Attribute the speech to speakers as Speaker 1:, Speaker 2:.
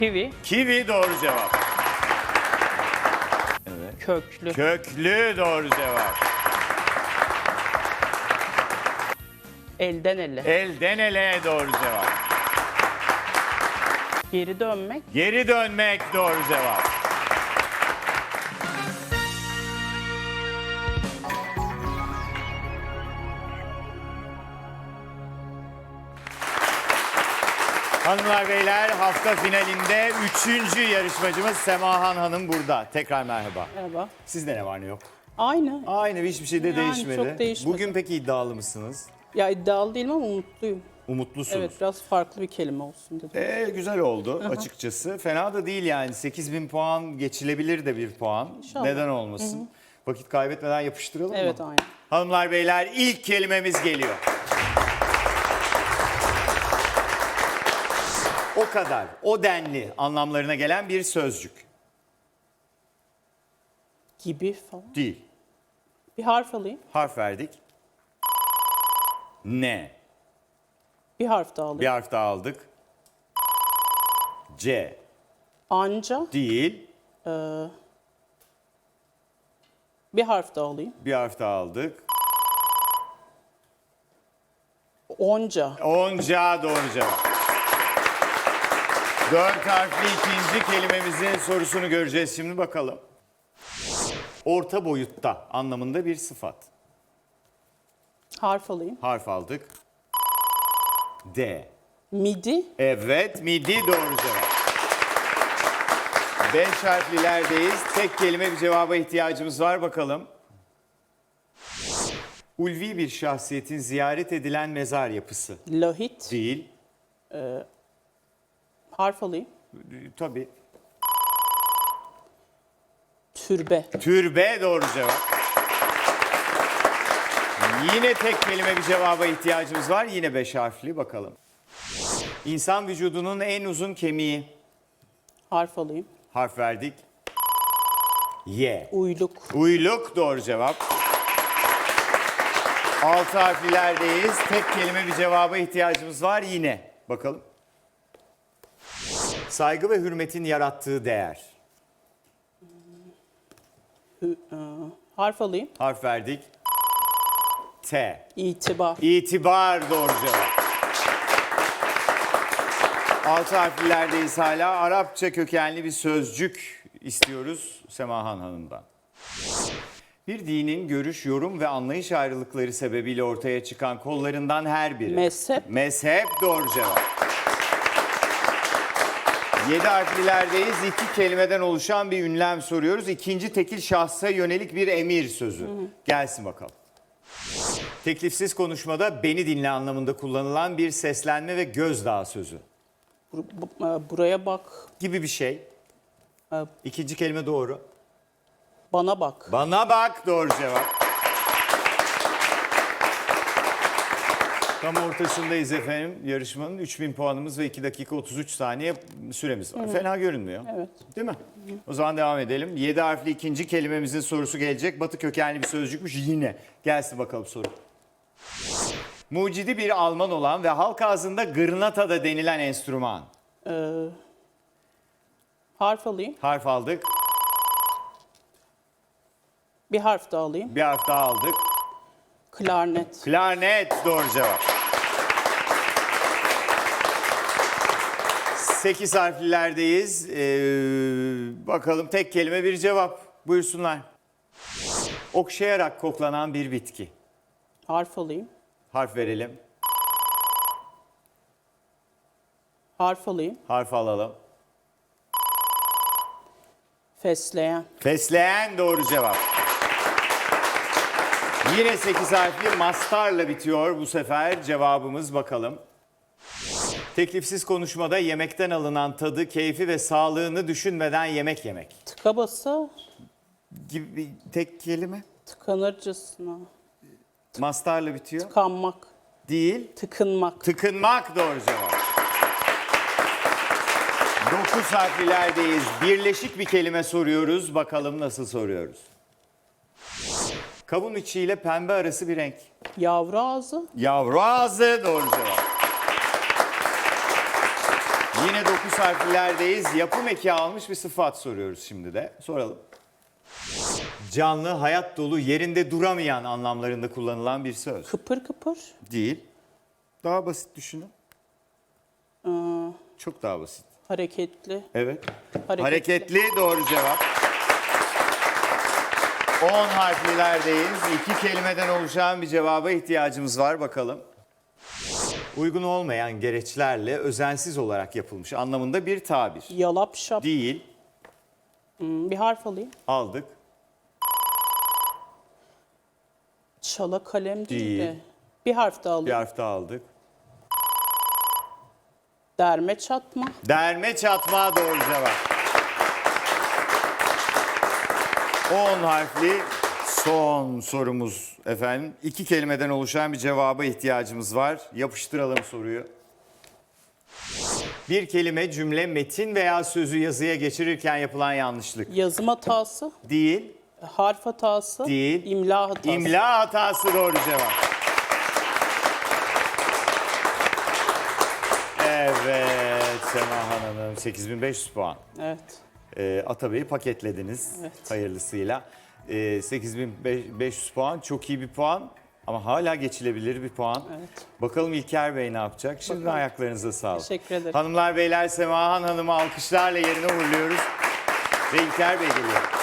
Speaker 1: Kivi,
Speaker 2: Kivi doğru cevap. Evet.
Speaker 1: köklü,
Speaker 2: Köklü doğru cevap.
Speaker 1: elden ele,
Speaker 2: Elden ele doğru cevap.
Speaker 1: geri dönmek,
Speaker 2: Geri dönmek doğru cevap. Hanımlar beyler, hafta finalinde 3. yarışmacımız Semahan Hanım burada. Tekrar merhaba.
Speaker 1: merhaba.
Speaker 2: Sizde ne var ne yok?
Speaker 1: Aynı.
Speaker 2: Aynı, hiçbir şey de
Speaker 1: Yani
Speaker 2: değişmedi.
Speaker 1: çok değişmedi.
Speaker 2: Bugün peki iddialı mısınız?
Speaker 1: Ya iddialı değilim ama umutluyum.
Speaker 2: Umutlusunuz.
Speaker 1: Evet, biraz farklı bir kelime olsun dedim.
Speaker 2: Güzel oldu açıkçası. Fena da değil yani. 8.000 puan geçilebilir de bir puan.
Speaker 1: İnşallah.
Speaker 2: Neden olmasın? Vakit kaybetmeden yapıştıralım
Speaker 1: Evet,
Speaker 2: mı?
Speaker 1: aynı.
Speaker 2: Hanımlar beyler, ilk kelimemiz geliyor. O kadar, o denli anlamlarına gelen bir sözcük.
Speaker 1: Gibi falan.
Speaker 2: Değil.
Speaker 1: Bir harf alayım.
Speaker 2: Harf verdik. Ne?
Speaker 1: Bir harf daha
Speaker 2: Bir
Speaker 1: alayım.
Speaker 2: harf daha aldık. C.
Speaker 1: Anca.
Speaker 2: Değil.
Speaker 1: Bir harf daha alayım.
Speaker 2: Bir harf daha aldık.
Speaker 1: Onca.
Speaker 2: Onca doğru cevap. 4 harfli ikinci kelimemizin sorusunu göreceğiz şimdi, bakalım. Orta boyutta anlamında bir sıfat.
Speaker 1: Harf alayım.
Speaker 2: Harf aldık. D.
Speaker 1: Midi.
Speaker 2: Evet, midi doğru cevap. 5 harflilerdeyiz. Tek kelime bir cevaba ihtiyacımız var, bakalım. Ulvi bir şahsiyetin ziyaret edilen mezar yapısı.
Speaker 1: Lahit.
Speaker 2: Değil.
Speaker 1: Harf alayım.
Speaker 2: Tabii.
Speaker 1: Türbe.
Speaker 2: Türbe doğru cevap. Yine tek kelime bir cevaba ihtiyacımız var. Yine 5 harfli, bakalım. İnsan vücudunun en uzun kemiği.
Speaker 1: Harf alayım.
Speaker 2: Harf verdik. Y.
Speaker 1: Uyluk.
Speaker 2: Uyluk doğru cevap. 6 harflilerdeyiz. Tek kelime bir cevaba ihtiyacımız var yine. Bakalım. Saygı ve hürmetin yarattığı değer.
Speaker 1: Harf alayım.
Speaker 2: Harf verdik. T.
Speaker 1: İtibar.
Speaker 2: İtibar doğru cevap. 6 harflilerdeyiz hala. Arapça kökenli bir sözcük istiyoruz Semahan Hanım'dan. Bir dinin görüş, yorum ve anlayış ayrılıkları sebebiyle ortaya çıkan kollarından her biri.
Speaker 1: Mezhep.
Speaker 2: Mezhep doğru cevap. 7 harflilerdeyiz. 2 kelimeden oluşan bir ünlem soruyoruz. İkinci tekil şahsa yönelik bir emir sözü. Gelsin bakalım. Teklifsiz konuşmada beni dinle anlamında kullanılan bir seslenme ve gözdağı sözü
Speaker 1: Buraya bak.
Speaker 2: gibi bir şey.
Speaker 1: E,
Speaker 2: İkinci kelime doğru.
Speaker 1: Bana bak.
Speaker 2: Bana bak doğru cevap. Tam ortasındayız efendim yarışmanın. 3000 puanımız ve 2 dakika 33 saniye süremiz var. Fena görünmüyor.
Speaker 1: Evet.
Speaker 2: Değil mi? O zaman devam edelim. 7 harfli ikinci kelimemizin sorusu gelecek. Batı kökenli bir sözcükmüş yine. Gelsin bakalım soru. Mucidi bir Alman olan ve halk ağzında gırnata da denilen enstrüman.
Speaker 1: Harf alayım.
Speaker 2: Harf aldık.
Speaker 1: Bir harf daha alayım.
Speaker 2: Bir harf daha aldık.
Speaker 1: Klarnet.
Speaker 2: Klarnet doğru cevap. 8 harflilerdeyiz. Bakalım tek kelime bir cevap. Buyursunlar. Okşayarak koklanan bir bitki.
Speaker 1: Harf alayım.
Speaker 2: Harf verelim.
Speaker 1: Harf alayım.
Speaker 2: Harf alalım.
Speaker 1: Fesleğen.
Speaker 2: Fesleğen doğru cevap. Yine 8 harfli mastarla bitiyor bu sefer cevabımız, bakalım. Teklifsiz konuşmada yemekten alınan tadı, keyfi ve sağlığını düşünmeden yemek yemek.
Speaker 1: Tıka basa
Speaker 2: Gibi bir tek kelime.
Speaker 1: tıkanırcasına.
Speaker 2: Mastarla bitiyor.
Speaker 1: Tıkanmak.
Speaker 2: Değil.
Speaker 1: Tıkınmak.
Speaker 2: Tıkınmak doğru cevap. 9 harflilerdeyiz. Birleşik bir kelime soruyoruz. Bakalım nasıl soruyoruz. Kavun içiyle pembe arası bir renk.
Speaker 1: Yavru ağzı.
Speaker 2: Yavru ağzı doğru cevap. Yine 9 harflerdeyiz. Yapım eki almış bir sıfat soruyoruz şimdi de. Soralım. Canlı, hayat dolu, yerinde duramayan anlamlarında kullanılan bir söz.
Speaker 1: Kıpır kıpır.
Speaker 2: Değil. Daha basit düşünün.
Speaker 1: Aa,
Speaker 2: Çok daha basit.
Speaker 1: hareketli.
Speaker 2: Evet.
Speaker 1: Hareketli.
Speaker 2: Hareketli doğru cevap. 10 harflilerdeyiz. 2 kelimeden oluşan bir cevaba ihtiyacımız var. Bakalım. Uygun olmayan gereçlerle özensiz olarak yapılmış anlamında bir tabir.
Speaker 1: Yalap şap.
Speaker 2: Değil.
Speaker 1: Bir harf alayım.
Speaker 2: Aldık.
Speaker 1: Çala kalem değil de.
Speaker 2: Değil.
Speaker 1: Bir harf daha
Speaker 2: Bir
Speaker 1: alayım.
Speaker 2: harf daha aldık.
Speaker 1: Derme çatma.
Speaker 2: Derme çatma doğru cevap. 10 harfli son sorumuz efendim. 2 kelimeden oluşan bir cevaba ihtiyacımız var. Yapıştıralım soruyu. Bir kelime, cümle, metin veya sözü yazıya geçirirken yapılan yanlışlık.
Speaker 1: Yazım hatası.
Speaker 2: Değil,
Speaker 1: Harf hatası.
Speaker 2: Değil.
Speaker 1: İmla hatası.
Speaker 2: imla hatası doğru cevap. Evet Semahan Hanım 8500 puan.
Speaker 1: Evet.
Speaker 2: Atabey'i paketlediniz
Speaker 1: Evet.
Speaker 2: hayırlısıyla. 8500 puan çok iyi bir puan ama hala geçilebilir bir puan.
Speaker 1: Evet.
Speaker 2: Bakalım İlker Bey ne yapacak? Şimdi
Speaker 1: Bakalım.
Speaker 2: ayaklarınıza sağlık.
Speaker 1: Teşekkür ederim.
Speaker 2: Hanımlar beyler Semahan Hanım'ı alkışlarla yerine uğurluyoruz. Ve İlker Bey geliyor.